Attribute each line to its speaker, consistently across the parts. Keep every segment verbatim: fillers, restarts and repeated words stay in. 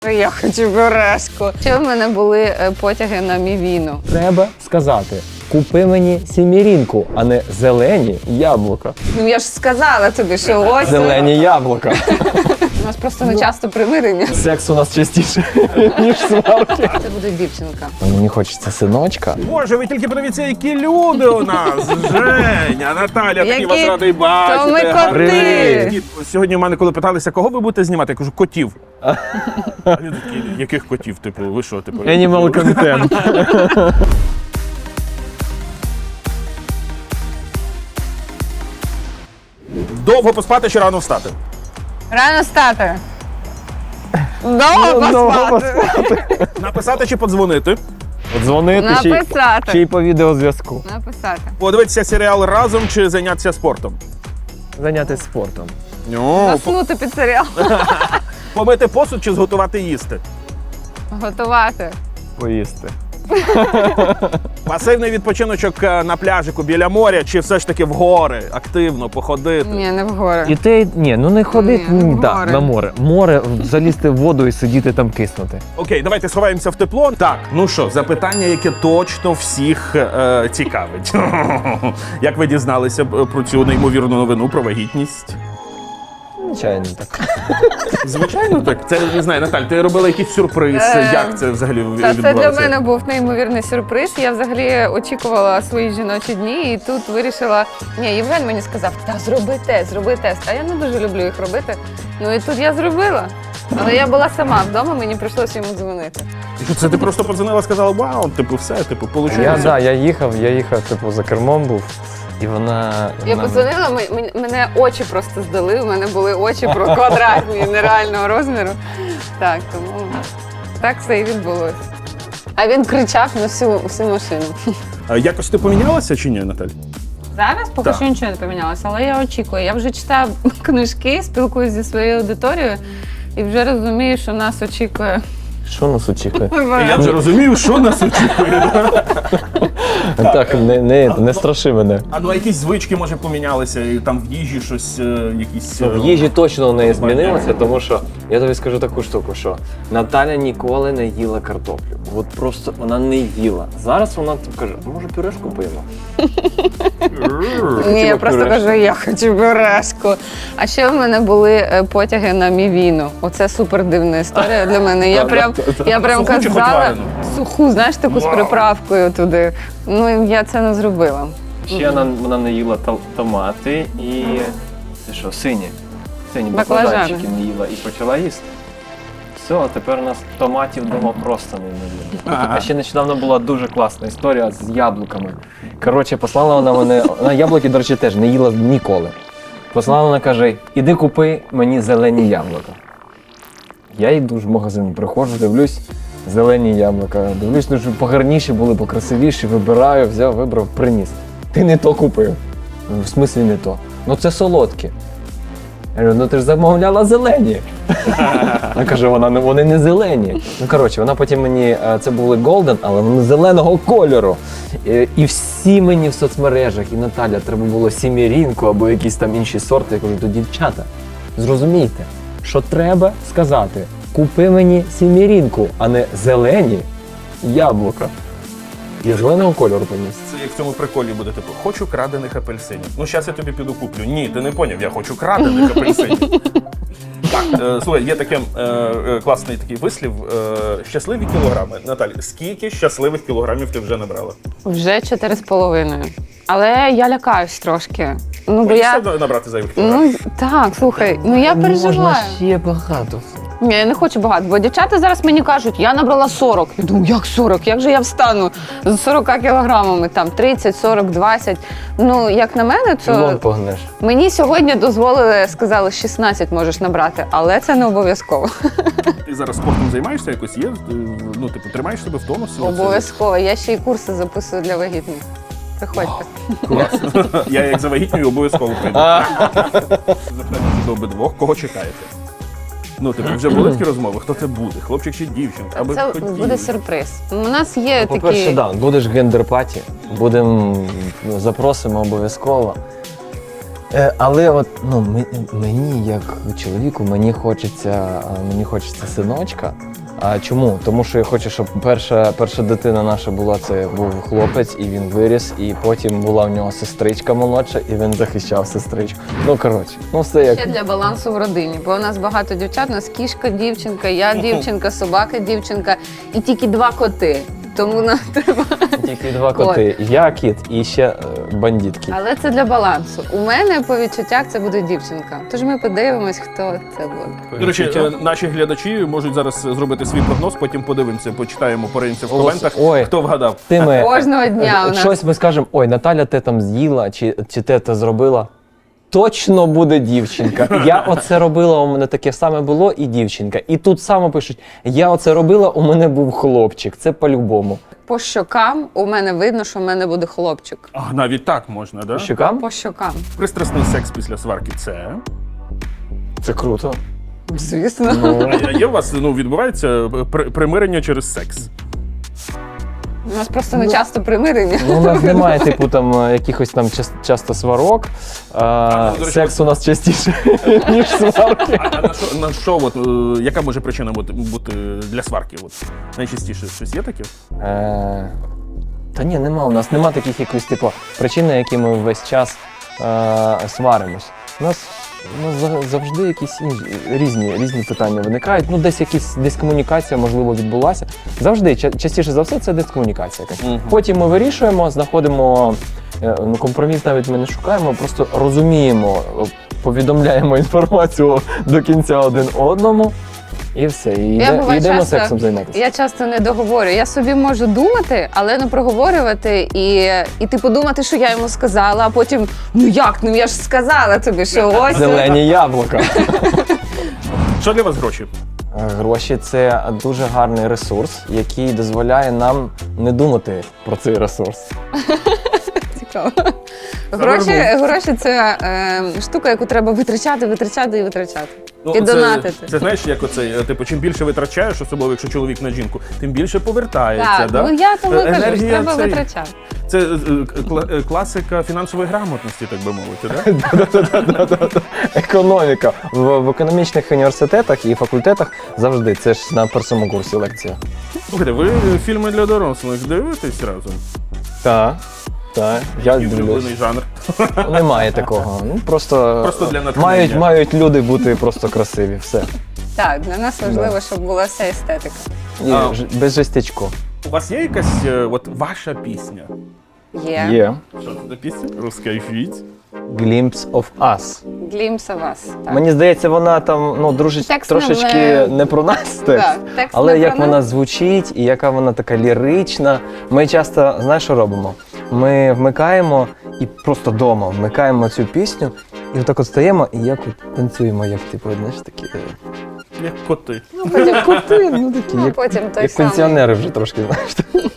Speaker 1: Я хочу березку. Ще в мене були потяги на мівіну.
Speaker 2: Треба сказати, купи мені сімірінку, а не зелені яблука.
Speaker 1: Ну я ж сказала тобі, що ось.
Speaker 2: Зелені яблука.
Speaker 1: У нас просто не часто примирення.
Speaker 2: Секс у нас частіше, ніж сварки.
Speaker 1: Це буде дівчинка.
Speaker 2: Мені хочеться синочка.
Speaker 3: Боже, ви тільки подивіться, які люди у нас. Женя, Наталя, такий
Speaker 1: Які?
Speaker 3: вас радий бачити.
Speaker 1: То ми коти.
Speaker 3: Привіт. Сьогодні в мене, коли питалися, кого ви будете знімати, я кажу, котів. А люди такі, яких котів? Типу, ви що, типу?
Speaker 2: Animal content.
Speaker 3: Довго поспати чи рано встати?
Speaker 1: Рано стати. Довго
Speaker 2: Довго
Speaker 1: поспати.
Speaker 3: Написати чи подзвонити?
Speaker 2: Дзвонити ще й-
Speaker 1: Написати.
Speaker 2: ще й по відеозв'язку.
Speaker 1: Написати.
Speaker 3: Подивитися серіал разом чи зайнятися спортом?
Speaker 2: Зайнятися спортом.
Speaker 3: Ну, по-
Speaker 1: Заснути під серіал.
Speaker 3: помити посуд чи зготувати їсти?
Speaker 1: Готувати.
Speaker 2: Поїсти.
Speaker 3: Пасивний відпочиночок е, на пляжику біля моря чи все ж таки в гори, активно походити?
Speaker 1: Ні, не вгору.
Speaker 2: І ти, ні, ну не ходити
Speaker 1: Ні,
Speaker 2: ні,
Speaker 1: в
Speaker 2: да,
Speaker 1: море.
Speaker 2: на море. Море, залізти в воду і сидіти там киснути.
Speaker 3: Окей, давайте сховаємося в тепло. Так, ну що, запитання, яке точно всіх е, цікавить. Як ви дізналися б, е, про цю неймовірну новину про вагітність?
Speaker 2: Звичайно так.
Speaker 3: Звичайно, так. Це, не знаю, Наталь, ти робила якийсь сюрприз.
Speaker 1: Е,
Speaker 3: Як це взагалі
Speaker 1: Та
Speaker 3: відбувалося?
Speaker 1: це для мене був неймовірний сюрприз. Я взагалі очікувала свої жіночі дні і тут вирішила. Ні, Євген мені сказав, та зроби тест, зроби тест. А я не дуже люблю їх робити. Ну і тут я зробила. Але я була сама вдома, мені прийшлося йому дзвонити.
Speaker 3: І що, це ти просто подзвонила, сказала, вау, типу, все, типу, получилося.
Speaker 2: Я, да, я їхав, я їхав, типу, за кермом був, і вона...
Speaker 1: Я
Speaker 2: вона-
Speaker 1: подзвонила, ми- ми- мене очі просто здали. У мене були очі про квадратні, нереального розміру. Так, тому так все і відбулося. А він кричав на всю, всю машину.
Speaker 3: А якось ти помінялася чи ні, Наталь?
Speaker 1: Зараз поки
Speaker 3: Так.
Speaker 1: що нічого не помінялося, але я очікую. Я вже читаю книжки, спілкуюся зі своєю аудиторією і вже розумію, що нас очікує.
Speaker 2: Що нас очікує?
Speaker 3: І я вже розумію, що нас очікує.
Speaker 2: Так, не, не, не страши мене.
Speaker 3: А ну а якісь звички, може, помінялися, і там в їжі щось, е, якісь... е,
Speaker 2: В їжі точно у неї змінилося, тому що я тобі скажу таку штуку, що Наталя ніколи не їла картоплю. От просто вона не їла. Зараз вона каже, може пюрешку поїмо?
Speaker 1: Ні, я просто
Speaker 2: пюрешку.
Speaker 1: кажу, я хочу березку. А ще в мене були е, потяги на мівіну. Оце супер дивна історія для мене. Я прям, я прям
Speaker 3: Суху чи хоч
Speaker 1: казала
Speaker 3: варену?
Speaker 1: суху, знаєш, таку з
Speaker 3: Вау.
Speaker 1: приправкою туди. Ну я це не зробила.
Speaker 2: Ще вона, вона не їла та- томати і це що, сині. Сині
Speaker 1: Баклажани.
Speaker 2: баклажанчики не їла і почала їсти. Все, а тепер у нас томатів вдома просто не їла. А ще нещодавно була дуже класна історія з яблуками. Коротше, послала вона мене, вона яблуки, до речі, теж не їла ніколи. Послала вона, каже, іди купи мені зелені яблука. Я йду ж в магазин, приходжу, дивлюсь, зелені яблука. Дивлюсь, ну, щоб погарніші були, покрасивіші, вибираю, взяв, вибрав, приніс. Ти не то купив. Ну, в смислі не то. Ну це солодкі. Я говорю, ну ти ж замовляла зелені. Вона каже, вона, не- вони не зелені. Ну коротше, вона потім мені, е, це були голден, але вони зеленого кольору. І, і всі мені в соцмережах, і Наталя, треба було сімірінку або якісь там інші сорти. Я кажу, то дівчата, зрозумійте, що треба сказати, купи мені сімірінку, а не зелені яблука. Я зеленого кольору поніс.
Speaker 3: Це як в цьому приколі буде, типу, хочу крадених апельсинів. Ну, зараз я тобі піду куплю. Ні, ти не поняв, я хочу крадених апельсинів. Так, е, слухай, є таке е, е, класний такий вислів. Е, щасливі кілограми. Наталь, скільки щасливих кілограмів ти вже набрала?
Speaker 1: Вже чотири з половиною. Але я лякаюсь трошки. Ну, бо я...
Speaker 3: Боїшся набрати зайвих кілограмів?
Speaker 1: Ну так, слухай, ну я переживаю.
Speaker 2: ще багато.
Speaker 1: Ні, я не хочу багато, бо дівчата зараз мені кажуть, я набрала сорок. Я думаю, як сорок? Як же я встану з сорока кілограмами, там тридцять, сорок, двадцять. Ну, як на мене,
Speaker 2: Чолом
Speaker 1: то
Speaker 2: погнеш.
Speaker 1: мені сьогодні дозволили, сказали, шістнадцять можеш набрати, але це не обов'язково.
Speaker 3: Ти зараз спортом займаєшся якось? Є? Ти, ну, типу, тримаєш себе в тонусі?
Speaker 1: Обов'язково. Я ще й курси записую для вагітних. Приходьте.
Speaker 3: Класно. Я як завагітнюю обов'язково прийду. Запитання до обидвох, кого чекаєте? Ну, типу, вже були такі розмови? Хто це буде? Хлопчик чи дівчинка? Аби
Speaker 1: Це
Speaker 3: хотіли.
Speaker 1: буде сюрприз. У нас є
Speaker 2: По-перше,
Speaker 1: такі...
Speaker 2: да, будеш гендер-паті, будемо, запросимо обов'язково. Е, але от ну ми- мені, як чоловіку, мені хочеться, а, мені хочеться синочка. А чому? Тому що я хочу, щоб перша, перша дитина наша була, це був хлопець, і він виріс, і потім була в нього сестричка молодша, і він захищав сестричку. Ну коротше, ну все як.
Speaker 1: Ще для балансу в родині, бо у нас багато дівчат, у нас кішка, дівчинка, я дівчинка, собака, дівчинка і тільки два коти. Тому нам треба.
Speaker 2: Тільки два коти. Я кіт і ще е, бандит кіт.
Speaker 1: Але це для балансу. У мене по відчуттях це буде дівчинка. Тож ми подивимось, хто це буде.
Speaker 3: До речі, е, наші глядачі можуть зараз зробити свій прогноз, потім подивимося, почитаємо, пориємося в коментах,
Speaker 2: Ой.
Speaker 3: хто вгадав.
Speaker 2: Ти ми,
Speaker 1: Кожного дня у нас.
Speaker 2: щось ми скажемо, ой, Наталя те там з'їла, чи, чи те те зробила. Точно буде дівчинка. Я оце робила, у мене таке саме було, і дівчинка. І тут само пишуть, я оце робила, у мене був хлопчик. Це по-любому.
Speaker 1: По щокам у мене видно, що в мене буде хлопчик.
Speaker 3: А, навіть так можна, да?
Speaker 2: Щукам?
Speaker 1: По щокам.
Speaker 3: Пристрасний секс після сварки це.
Speaker 2: Це круто.
Speaker 1: Звісно.
Speaker 2: Ну,
Speaker 3: А є у вас, ну, відбувається при- примирення через секс?
Speaker 1: У нас просто не часто примирення.
Speaker 2: ну, у нас немає, типу, там е, якихось там час- часто сварок. А,
Speaker 3: ну, до речі,
Speaker 2: секс у нас частіше, ніж сварки.
Speaker 3: А, а на що, на що от, е, яка може причина бути, бути для сварки? От, найчастіше щось є таке?
Speaker 2: Е, Та ні, нема. У нас нема таких якихось типу причин, на які ми весь час е, сваримось. У нас ну, за- завжди якісь інші, різні, різні питання виникають. Ну, десь якісь дискомунікація, можливо, відбулася. Завжди, ча- частіше за все, це дискомунікація якась.
Speaker 3: Мгм.
Speaker 2: Потім ми вирішуємо, знаходимо е, ну, компроміс, навіть ми не шукаємо, просто розуміємо, е, повідомляємо інформацію до кінця один одному. І все, і,
Speaker 1: Я,
Speaker 2: йде,
Speaker 1: буває,
Speaker 2: і йдемо
Speaker 1: часто-
Speaker 2: сексом займатися.
Speaker 1: Я часто не договорю. Я собі можу думати, але не проговорювати і, і типу думати, що я йому сказала, а потім ну як? Ну я ж сказала тобі, що ось.
Speaker 2: Зелені яблука.
Speaker 3: Що для вас гроші?
Speaker 2: Гроші це дуже гарний ресурс, який дозволяє нам не думати про цей ресурс.
Speaker 1: Цікаво. Гроші, гроші це е, штука, яку треба витрачати, витрачати і витрачати. І
Speaker 3: це,
Speaker 1: донатити.
Speaker 3: це знаєш, як оцей, е, типу, чим більше витрачаєш, особливо якщо чоловік на жінку, тим більше повертається.
Speaker 1: Так,
Speaker 3: да?
Speaker 1: ну я тому
Speaker 3: Е,
Speaker 1: кажу, що
Speaker 3: енергія
Speaker 1: треба
Speaker 3: цей-
Speaker 1: витрачати.
Speaker 3: Це е, кла- е, класика фінансової грамотності, так би мовити, да?
Speaker 2: Економіка. В, в економічних університетах і факультетах завжди. Це ж на першому курсі лекція.
Speaker 3: Слухайте, ви фільми для дорослих дивитесь разом?
Speaker 2: Так, так, я
Speaker 3: І
Speaker 2: дивлюсь.
Speaker 3: улюблений жанр.
Speaker 2: Немає такого. Ну, просто,
Speaker 3: Просто для натхнення.
Speaker 2: мають, мають люди бути просто красиві. Все.
Speaker 1: Так, для нас важливо, щоб була вся естетика.
Speaker 2: І
Speaker 3: А.
Speaker 2: ж- без жестячку.
Speaker 3: У вас є якась е, от ваша пісня?
Speaker 1: Є.
Speaker 2: Є.
Speaker 3: Що це за пісня? Розкайфіть.
Speaker 2: Glimpse of us.
Speaker 1: Глімса вас. Так.
Speaker 2: Мені здається, вона там ну, дружить,
Speaker 1: Текст не
Speaker 2: трошечки
Speaker 1: в-
Speaker 2: не про нас текст.
Speaker 1: Так, текст
Speaker 2: Але
Speaker 1: не
Speaker 2: як
Speaker 1: про
Speaker 2: вона
Speaker 1: нас.
Speaker 2: звучить і яка вона така лірична. Ми часто, знаєш, що робимо? Ми вмикаємо і просто вдома вмикаємо цю пісню, і отак от стаємо і як от танцюємо, як типу, знаєш, такі. е,
Speaker 3: Як коти.
Speaker 1: Ну, потім
Speaker 2: Коти, ну такі,
Speaker 1: Ну,
Speaker 2: як,
Speaker 1: потім той
Speaker 2: як
Speaker 1: самий.
Speaker 2: пенсіонери вже трошки, знаєш.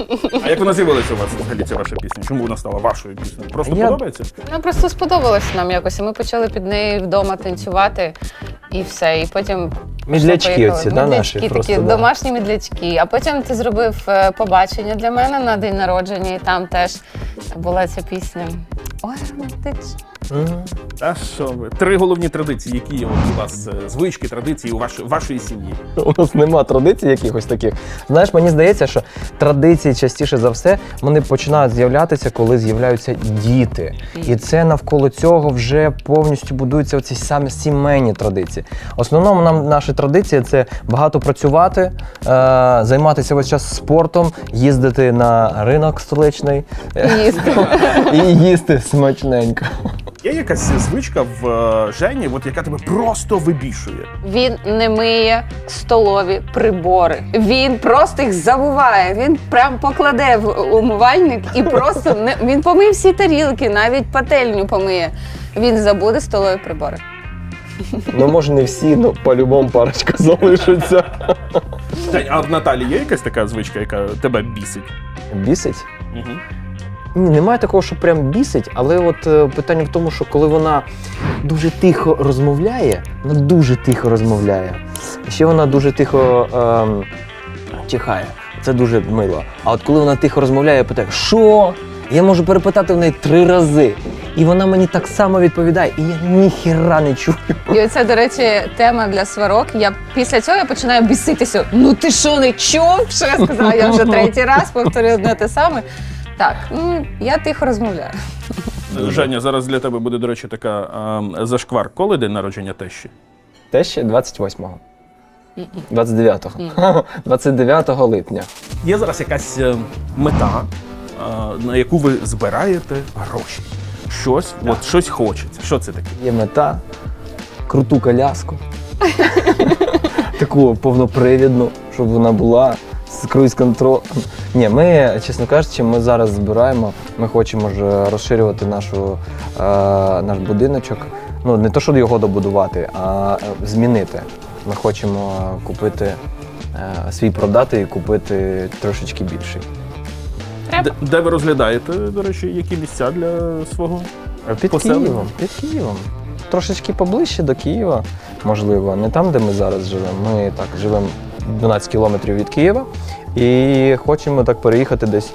Speaker 3: А як вона з'явилася у вас взагалі ця ваша пісня? Чому вона стала вашою піснею? Просто
Speaker 2: Я-
Speaker 3: подобається?
Speaker 1: Ну, просто сподобалось нам якось. і Ми почали під неї вдома танцювати і все. І потім
Speaker 2: Мідлячки
Speaker 1: поїхали.
Speaker 2: оці, да, наші
Speaker 1: Мідлячки
Speaker 2: просто.
Speaker 1: такі,
Speaker 2: да.
Speaker 1: домашні мідлячки. А потім ти зробив е, побачення для мене на день народження, і там теж була ця пісня. Ой, романтично.
Speaker 2: Мгм.
Speaker 3: А що ви? Три головні традиції, які є от у вас е, звички, традиції у ваш, вашої сім'ї.
Speaker 2: У нас нема традицій якихось таких. Знаєш, мені здається, що традиції частіше за все вони починають з'являтися, коли з'являються діти. І це навколо цього вже повністю будуються оці самі сімейні традиції. В основному нам наші традиції це багато працювати, е, займатися весь час спортом, їздити на ринок столичний
Speaker 1: І їсти.
Speaker 2: і їсти смачненько.
Speaker 3: Є якась звичка в е, Жені, от, яка тебе просто вибішує?
Speaker 1: Він не миє столові прибори. Він просто їх забуває. Він прям покладе в умивальник і просто не він помиє всі тарілки, навіть пательню помиє. Він забуде столові прибори.
Speaker 2: Ну, може, не всі, ну по-любому парочка залишиться.
Speaker 3: Жень, а в Наталі є якась така звичка, яка тебе бісить?
Speaker 2: Бісить?
Speaker 3: Угу.
Speaker 2: Ні, немає такого, що прям бісить, але от е, питання в тому, що коли вона дуже тихо розмовляє, вона дуже тихо розмовляє. Ще вона дуже тихо ем, чихає. Це дуже мило. А от коли вона тихо розмовляє, я питаю, що? Я можу перепитати в неї три рази. І вона мені так само відповідає, і я ніхіра не чую.
Speaker 1: І оце, до речі, тема для сварок. Я після цього я починаю біситися. Ну ти що, не чув? Що я сказала? Я вже третій раз повторюю одне те саме. Так, ну я тихо розмовляю.
Speaker 3: Женя, зараз для тебе буде, до речі, така а, зашквар. Коли день народження тещі?
Speaker 2: Те ще двадцять восьмого. двадцять дев'ятого. двадцять дев'ятого липня.
Speaker 3: Є зараз якась е, мета, е, на яку ви збираєте гроші. Щось, от щось хочеться. Що це таке?
Speaker 2: Є мета, круту коляску. Таку повнопривідну, щоб вона була з круїз-контролем. Ні, ми, чесно кажучи, ми зараз збираємо, ми хочемо ж розширювати нашу, е, наш будиночок. Ну, не то, щоб його добудувати, а е, змінити. Ми хочемо купити, е, свій продати і купити трошечки більший.
Speaker 3: Де, де ви розглядаєте, до речі, які місця для свого?
Speaker 2: Під
Speaker 3: Поселення?
Speaker 2: Києвом, під Києвом. Трошечки поближче до Києва, можливо, не там, де ми зараз живемо. Ми так живемо дванадцять кілометрів від Києва і хочемо так переїхати десь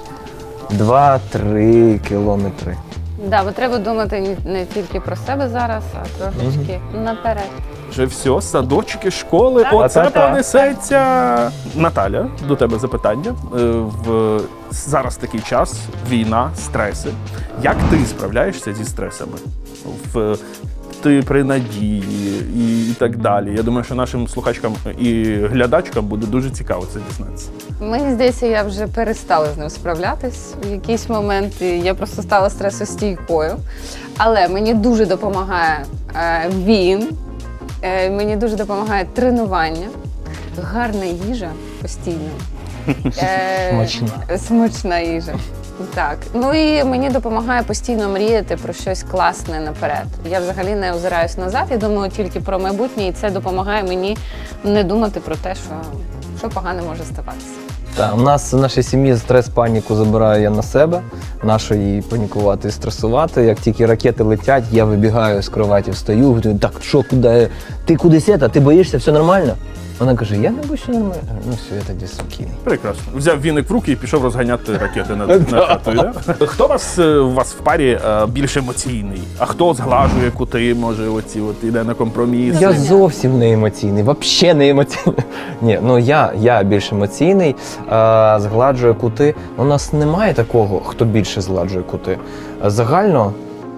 Speaker 2: два-три кілометри.
Speaker 1: Да, бо треба думати не- не тільки про себе зараз, а трошечки наперед.
Speaker 3: Вже все, садочки, школи,
Speaker 1: Так.
Speaker 3: оце
Speaker 2: Та-та-та.
Speaker 3: понесеться. Наталя, до тебе запитання. Е, В зараз такий час, війна, стреси. Як ти справляєшся зі стресами? В ти при надії і, і так далі. Я думаю, що нашим слухачкам і глядачкам буде дуже цікаво це дізнатися.
Speaker 1: Мені здається, я вже перестала з ним справлятись. В якийсь момент я просто стала стресостійкою. Але мені дуже допомагає е, він, е, мені дуже допомагає тренування, гарна їжа постійно. Е,
Speaker 2: Смачна.
Speaker 1: Смачна їжа. Так. Ну і мені допомагає постійно мріяти про щось класне наперед. Я взагалі не озираюсь назад, я думаю тільки про майбутнє, і це допомагає мені не думати про те, що, що погане може ставатися.
Speaker 2: Так, у нас в нашій сім'ї стрес-паніку забираю я на себе. Нащо їй панікувати і стресувати. Як тільки ракети летять, я вибігаю з кроваті, встаю, говорю, так що, куди? Ти кудись це? Ти боїшся, все нормально? Вона каже, я не боюся нормально. Ну все, я тоді спокійний.
Speaker 3: Прекрасно. Взяв віник в руки і пішов розганяти ракети над, над хатою. Да? Хто вас, е, у вас в парі е, більш емоційний? А хто зглажує кути, може, оці от іде на компроміс?
Speaker 2: Я зовсім не емоційний, взагалі не емоційний. Ні, ну я, я більш емоційний, а, згладжую кути. У нас немає такого, хто більше згладжує кути. Загально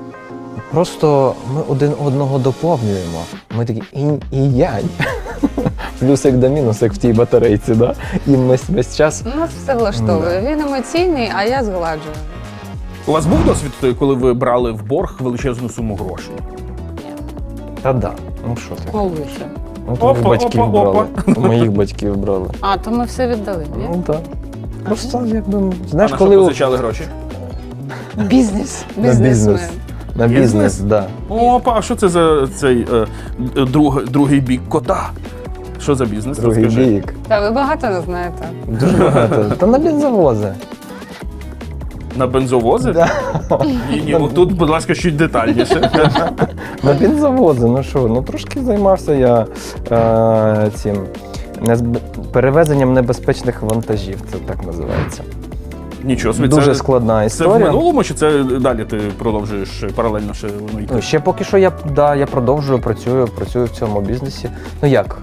Speaker 2: просто ми один одного доповнюємо. Ми такі інь і янь. Плюсик до мінус, як в тій батарейці, да? І ми весь час.
Speaker 1: Нас все влаштовує. Він емоційний, а я згладжую.
Speaker 3: У вас був досвід, той, коли ви брали в борг величезну суму грошей?
Speaker 2: Та да, ну що ти?
Speaker 1: Коли ще?
Speaker 2: Ну, твоїх
Speaker 3: Опа,
Speaker 2: батьків
Speaker 3: опа,
Speaker 2: брали.
Speaker 3: опа.
Speaker 2: У моїх батьків брали.
Speaker 1: А, то ми все віддали, ні?
Speaker 2: Ну так. Просто якби,
Speaker 3: А
Speaker 2: знаєш,
Speaker 3: на
Speaker 2: коли
Speaker 3: що
Speaker 2: у-
Speaker 3: позичали гроші?
Speaker 1: Бізнес.
Speaker 2: на бізнес.
Speaker 1: Бізнесмен.
Speaker 2: На
Speaker 3: Бізнес?
Speaker 2: бізнес, так. Да.
Speaker 3: Опа, а що це за цей е, друг, другий бік кота? Що за бізнес?
Speaker 2: Другий
Speaker 3: Розкажи.
Speaker 2: бік.
Speaker 1: Та ви багато не знаєте.
Speaker 2: Дуже багато. Та на бензовози.
Speaker 3: На бензовози?
Speaker 2: Да.
Speaker 3: Ні, ні, отут, будь ласка, чуть детальніше.
Speaker 2: На бензовози, ну що, ну трошки займався я е, цим незб... перевезенням небезпечних вантажів, це так називається.
Speaker 3: Нічого собі,
Speaker 2: Дуже
Speaker 3: це,
Speaker 2: складна
Speaker 3: це в
Speaker 2: історія.
Speaker 3: минулому, чи це далі ти продовжуєш паралельно ще воно йти?
Speaker 2: Ну, ще поки що я, да, я продовжую, працюю, працюю в цьому бізнесі. Ну як,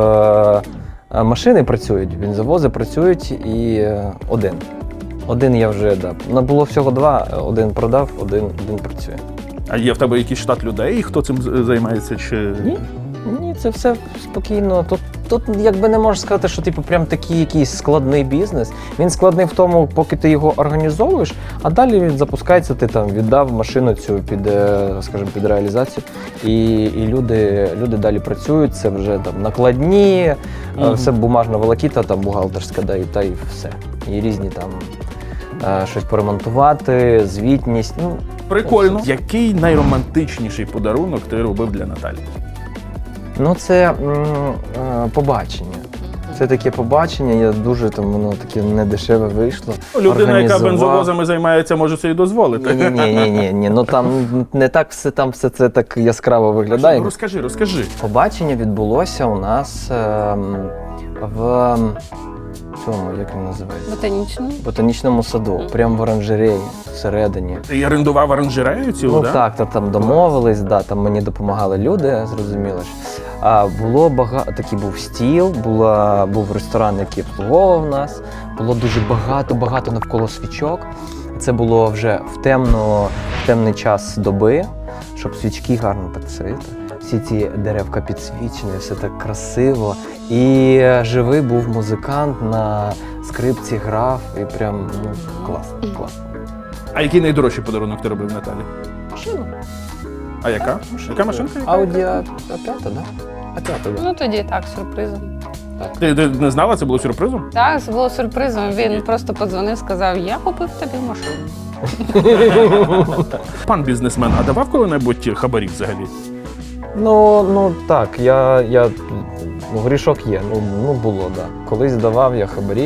Speaker 2: е, машини працюють, бензовози працюють і е, один. Один я вже, да. Ну, було всього два, один продав, один, один працює.
Speaker 3: А є в тебе якийсь штат людей, хто цим з- займається? Чи...
Speaker 2: Ні, ні, це все спокійно. Тут, тут якби не можеш сказати, що типу прям такий якийсь складний бізнес. Він складний в тому, поки ти його організовуєш, а далі він запускається, ти там віддав машину цю під, е, скажімо, під реалізацію. І, і люди, люди далі працюють, це вже там накладні, е,
Speaker 3: Мгм.
Speaker 2: все бумажна волокіта, там бухгалтерська, да, і та і все. І різні там е, щось поремонтувати, звітність. Ну,
Speaker 3: Прикольно. Який найромантичніший подарунок ти робив для Наталі?
Speaker 2: Ну, це м, е, побачення. Це таке побачення, я дуже там, воно таке недешеве вийшло.
Speaker 3: Ну, людина, яка
Speaker 2: Організував.
Speaker 3: бензовозами займається, може собі дозволити.
Speaker 2: Ні, ні, ні, ні, ні. Ну там не так все там все це так яскраво виглядає.
Speaker 3: Розкажи, розкажи.
Speaker 2: Побачення відбулося у нас ем, в цьому, як він називається?
Speaker 1: Ботанічно.
Speaker 2: В ботанічному саду, прямо в оранжереї, всередині.
Speaker 3: Ти орендував оранжерею цілу,
Speaker 2: Ну
Speaker 3: да?
Speaker 2: так, та, там домовились, да, там мені допомагали люди, зрозуміло ж. А було багато, такий був стіл, була, був ресторан, який обслуговував нас. Було дуже багато-багато навколо свічок. Це було вже в, темно, в темний час доби, щоб свічки гарно так світили. Всі ці деревка підсвічені, все так красиво. І живий був музикант на скрипці грав, і прям ну, класно, класно.
Speaker 3: А який найдорожчий подарунок ти робив Наталі?
Speaker 2: Машина.
Speaker 3: А яка? Яка машинка?
Speaker 2: Ауді А п'ята, да? А п'ята, да.
Speaker 1: Ну тоді так, сюрпризом.
Speaker 3: Ти, ти не знала, це було сюрпризом?
Speaker 1: Так, це було сюрпризом. Він просто подзвонив, сказав, я купив тобі машину.
Speaker 3: Пан бізнесмен, а давав коли-небудь хабарі взагалі?
Speaker 2: Ну, ну так, я, я ну, грішок є, ну, ну було, так. Да. Колись давав я хабарі.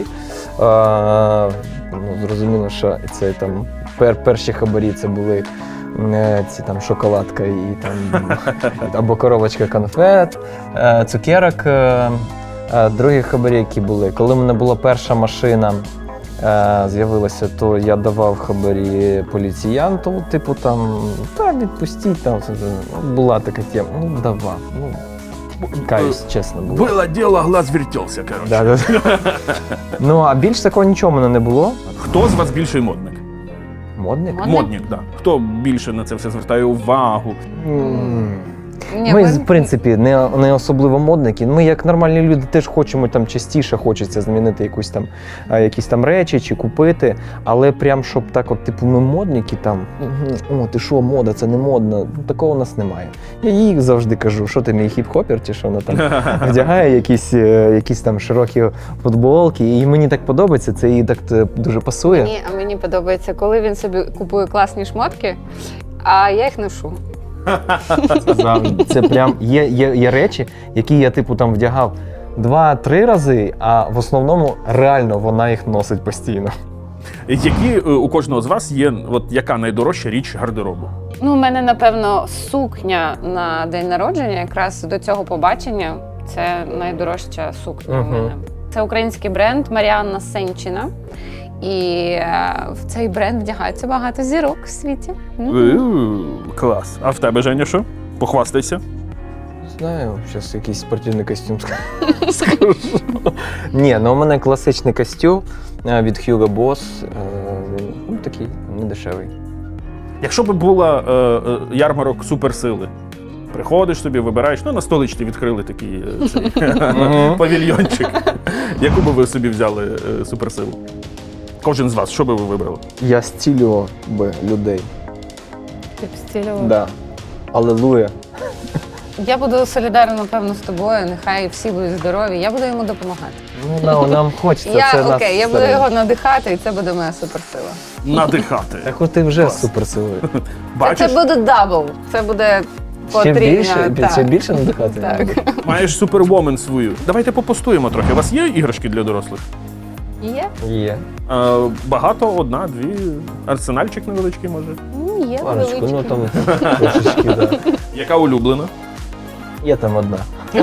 Speaker 2: А, ну, зрозуміло, що це там пер, перші хабарі це були е, ці там шоколадка і там або коробочка конфет, е, цукерок. Е, е, другі хабарі, які були. Коли в мене була перша машина, е, з'явилася, то я давав хабарі поліціянту, типу там, та відпустіть там. Була така тема, ну давав. Ну, каюсь, чесно було.
Speaker 3: Було діло, глаз вертівся, коротше.
Speaker 2: Да, да. Ну, а більш такого нічого в мене не було.
Speaker 3: Хто з вас більший модник?
Speaker 2: Модник?
Speaker 1: Модник?
Speaker 3: Модник, так. Да. Хто більше на це все звертає увагу?
Speaker 2: М.
Speaker 1: Ні,
Speaker 2: Ми,
Speaker 1: ми-
Speaker 2: в принципі, не, не особливо модники. Ми, як нормальні люди, теж хочемо там частіше хочеться змінити якусь там, а, якісь там речі чи купити. Але прям, щоб так, от, типу, ми модники там, «Мгм, о, ти що, мода, це не модно. Ну, такого у нас немає. Я їй завжди кажу, що ти мій хіп-хопер, чи що вона там вдягає якісь, е, якісь там широкі футболки. І мені так подобається, це їй так е, дуже пасує.
Speaker 1: Мені, а мені подобається, коли він собі купує класні шмотки, а я їх ношу.
Speaker 2: Завжди. Це прям є, є, є речі, які я типу там вдягав два-три рази, а в основному реально вона їх носить постійно.
Speaker 3: Які е, у кожного з вас є, от яка найдорожча річ гардеробу?
Speaker 1: Ну, у мене, напевно, сукня на день народження, якраз до цього побачення. Це найдорожча сукня
Speaker 2: Мгм.
Speaker 1: у мене. Це український бренд Маріанна Сенчина. І е, в цей бренд вдягається багато зірок в світі. Мгм.
Speaker 3: Е, Клас. А в тебе, Женя, що? Похвастайся.
Speaker 2: Знаю, зараз якийсь спортивний костюм скажу. Ні, ну у мене класичний костюм е, від Hugo Boss. е, Він ну, такий недешевий.
Speaker 3: Якщо б була е, е, ярмарок суперсили, приходиш собі, вибираєш, ну на столичці відкрили такий е, цей, павільйончик. Яку би ви собі взяли е, суперсилу? Кожен з вас, що би ви вибрали?
Speaker 2: Я стілював би людей.
Speaker 1: Ти б стілював.
Speaker 2: Да. Алелуя.
Speaker 1: Я буду солідарна, напевно, з тобою. Нехай всі будуть здорові. Я буду йому допомагати.
Speaker 2: Ну, нам, нам хочеться.
Speaker 1: Я
Speaker 2: це нас
Speaker 1: окей, я буду
Speaker 2: всередині.
Speaker 1: його надихати, і це буде моя суперсила.
Speaker 3: Надихати.
Speaker 2: Так от ти вже
Speaker 3: Клас.
Speaker 2: суперсилою.
Speaker 3: Бачиш,
Speaker 1: Це буде дабл. Це буде
Speaker 2: Ще
Speaker 1: потрібно.
Speaker 2: більше,
Speaker 1: так.
Speaker 2: ще більше надихати?
Speaker 1: Так.
Speaker 3: маєш супервомен свою. Давайте попостуємо трохи. У вас є іграшки для дорослих?
Speaker 1: Є?
Speaker 2: Є.
Speaker 3: Е, багато, одна, дві. Арсенальчик невеличкий, може.
Speaker 1: Ну, є
Speaker 2: Парочку, ну
Speaker 1: невеличкі.
Speaker 2: там трошечки, да.
Speaker 3: Яка улюблена?
Speaker 2: Є там одна.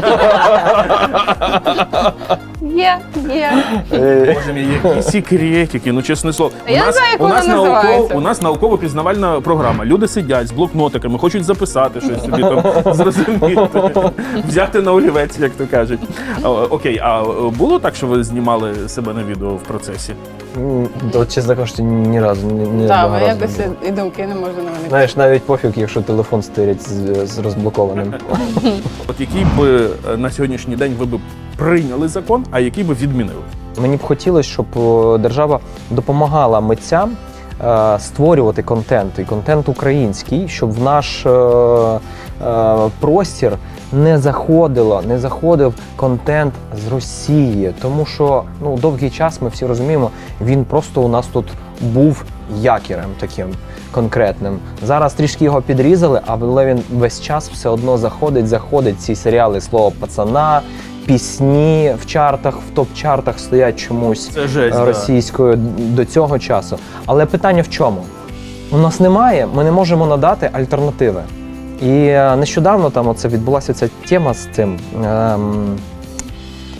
Speaker 1: Є, є.
Speaker 2: Е,
Speaker 3: Боже мій, які секретики, ну чесне слово.
Speaker 1: Я не знаю, як
Speaker 3: у
Speaker 1: вона
Speaker 3: нас науков,
Speaker 1: називається.
Speaker 3: у нас науково-пізнавальна програма. Люди сидять з блокнотиками, хочуть записати щось собі там зрозуміти, взяти на олівець, як то кажуть. А, окей, а було так, що ви знімали себе на відео в процесі?
Speaker 2: м, От, чесно кажучи, ні разу, ні, ні
Speaker 1: Так,
Speaker 2: одного
Speaker 1: ми
Speaker 2: разу
Speaker 1: якось
Speaker 2: не було.
Speaker 1: і думки не можу на мене.
Speaker 2: Знаєш, навіть пофіг, якщо телефон стирять з, з розблокованим.
Speaker 3: От який би е, на сьогоднішній день ви б прийняли закон, а який би відмінили?
Speaker 2: Мені б хотілося, щоб о, держава допомагала митцям е, створювати контент, і контент український, щоб в наш е, е, простір не заходило, не заходив контент з Росії. Тому що ну, довгий час, ми всі розуміємо, він просто у нас тут був якірем таким конкретним. Зараз трішки його підрізали, але він весь час все одно заходить, заходить ці серіали «Слово пацана», пісні в чартах, в топ-чартах стоять чомусь
Speaker 3: Це жесть, да.
Speaker 2: російською до цього часу. Але питання в чому? У нас немає, ми не можемо надати альтернативи. І е, нещодавно там оце відбулася ця тема з цим ем,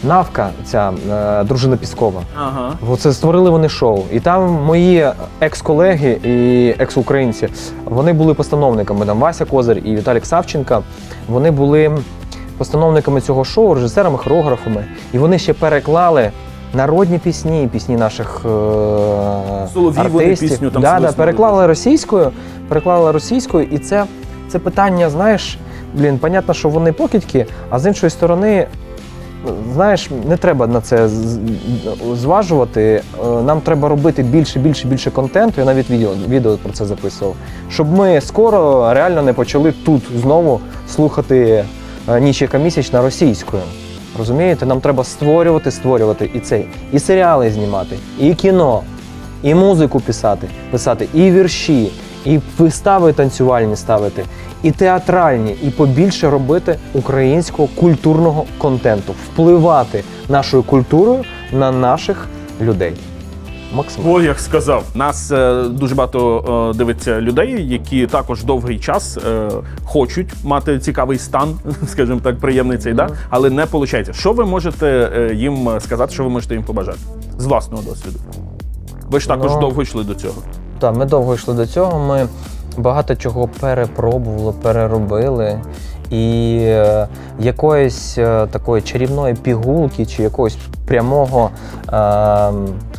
Speaker 2: Навка, ця е, дружина Піскова.
Speaker 3: Ага.
Speaker 2: Оце створили вони шоу. І там мої екс-колеги і екс-українці, вони були постановниками. Там Вася Козир і Віталік Савченка. Вони були постановниками цього шоу, режисерами, хореографами. І вони ще переклали народні пісні, пісні наших е-
Speaker 3: Соловій вони
Speaker 2: артистів.
Speaker 3: пісню там
Speaker 2: да, да,
Speaker 3: свиснули.
Speaker 2: переклали російською, переклали російською. І це, це питання, знаєш, блін, понятно, що вони покидьки, а з іншої сторони, знаєш, не треба на це з- зважувати. Е, Нам треба робити більше, більше, більше контенту. Я навіть відео, відео про це записував. Щоб ми скоро реально не почали тут знову слухати е, «Ніч яка місячна» російською. Розумієте? Нам треба створювати, створювати і цей, і серіали знімати, і кіно, і музику писати, писати, і вірші, і вистави танцювальні ставити, і театральні, і побільше робити українського культурного контенту, впливати нашою культурою на наших людей. Максимально.
Speaker 3: Ой, як сказав, нас е, дуже багато е, дивиться людей, які також довгий час е, хочуть мати цікавий стан, скажімо так, приємний цей, да? Але не виходить. Що ви можете е, їм сказати, що ви можете їм побажати з власного досвіду? Ви ж також
Speaker 2: Ну,
Speaker 3: довго йшли до цього.
Speaker 2: Так, ми довго йшли до цього, ми багато чого перепробували, переробили. І е, якоїсь е, такої чарівної пігулки чи якогось прямого е, е,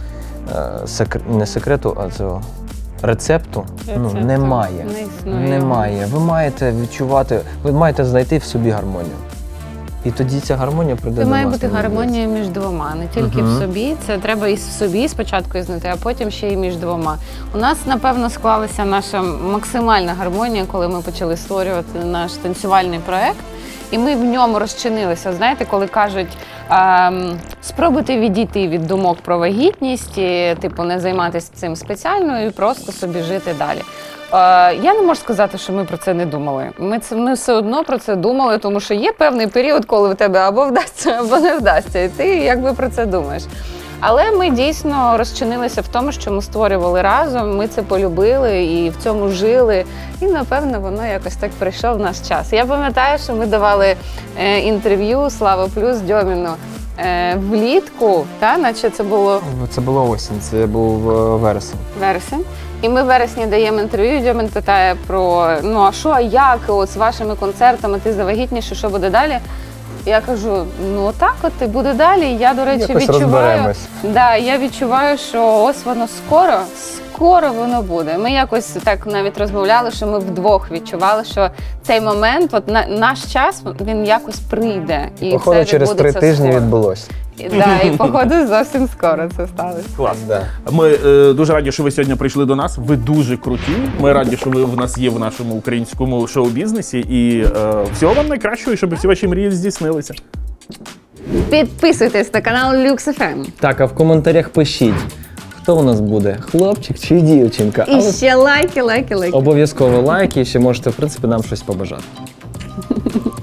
Speaker 2: секр... не секрету, а цього рецепту, ну,
Speaker 1: Рецепту
Speaker 2: немає.
Speaker 1: не існує.
Speaker 2: Немає. Ви маєте відчувати, ви маєте знайти в собі гармонію. І тоді ця гармонія прийде
Speaker 1: Це
Speaker 2: до
Speaker 1: має
Speaker 2: вас.
Speaker 1: бути
Speaker 2: на вулиці.
Speaker 1: гармонія між двома, не тільки
Speaker 2: Мгм.
Speaker 1: в собі. Це треба і в собі спочатку знайти, а потім ще й між двома. У нас, напевно, склалася наша максимальна гармонія, коли ми почали створювати наш танцювальний проект. І ми в ньому розчинилися. Знаєте, коли кажуть, ем, спробуйте відійти від думок про вагітність, і, типу, не займатися цим спеціально і просто собі жити далі. Е, я не можу сказати, що ми про це не думали. Ми, це, ми все одно про це думали, тому що є певний період, коли в тебе або вдасться, або не вдасться. І ти якби про це думаєш. Але ми дійсно розчинилися в тому, що ми створювали разом, ми це полюбили і в цьому жили. І, напевно, воно якось так прийшов в наш час. Я пам'ятаю, що ми давали е, інтерв'ю «Слава Плюс» Дьоміну е, влітку, та, наче це було
Speaker 2: Це була осінь, це був е, вересень.
Speaker 1: вересень. І ми в вересні даємо інтерв'ю, Дьомін питає про, ну а що, а як, от з вашими концертами, ти завагітніше, що буде далі? Я кажу, ну так от і буде далі. Я, до речі,
Speaker 2: Якось
Speaker 1: відчуваю,
Speaker 2: розберемось.
Speaker 1: да, я відчуваю, що ось воно скоро, скоро воно буде. Ми якось так навіть розмовляли, що ми вдвох відчували, що цей момент, от на, наш час, він якось прийде. І
Speaker 2: Походу,
Speaker 1: все
Speaker 2: через три
Speaker 1: відбудеться
Speaker 2: тижні
Speaker 1: скоро.
Speaker 2: відбулося.
Speaker 1: І, да, і походу зовсім скоро це сталося.
Speaker 3: Клас.
Speaker 2: Да.
Speaker 3: Ми е, дуже раді, що ви сьогодні прийшли до нас. Ви дуже круті. Ми раді, що ви в нас є в нашому українському шоу-бізнесі. І е, всього вам найкращого, і щоб всі ваші мрії здійснилися.
Speaker 1: Підписуйтесь на канал Люкс еф ем.
Speaker 2: Так, а в коментарях пишіть, хто у нас буде, хлопчик чи дівчинка.
Speaker 1: І ще лайки, лайки, лайки.
Speaker 2: Обов'язково лайки, і ще можете, в принципі, нам щось побажати.